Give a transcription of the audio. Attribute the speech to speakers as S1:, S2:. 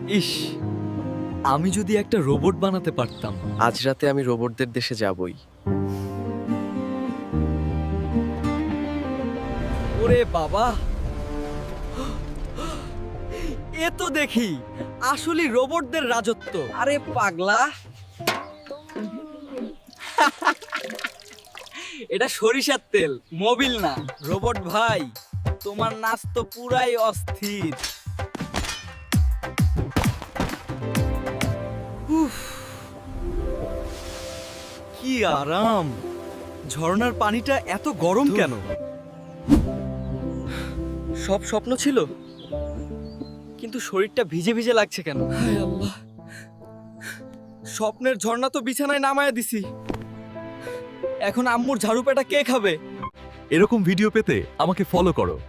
S1: ইস, আমি যদি একটা রোবট বানাতে পারতাম।
S2: আজ রাতে আমি রোবটদের দেশে যাবই।
S1: ওরে বাবা, এ তো দেখি আসলে রোবটদের রাজত্ব। আরে পাগলা, এটা সরিষার তেল, মোবিল না। রোবট ভাই, তোমার নাচ তো পুরাই অস্থির। উফ, কি আরাম। ঝর্ণার পানিটা এত গরম কেন? সব স্বপ্ন ছিল, কিন্তু শরীরটা ভিজে ভিজে লাগছে কেন? হায় আল্লাহ, স্বপ্নের ঝর্ণা তো বিছানায় নামায় দিছি। এখন আম্মুর ঝাড়ু পেটা কে খাবে?
S3: এরকম ভিডিও পেতে আমাকে ফলো করো।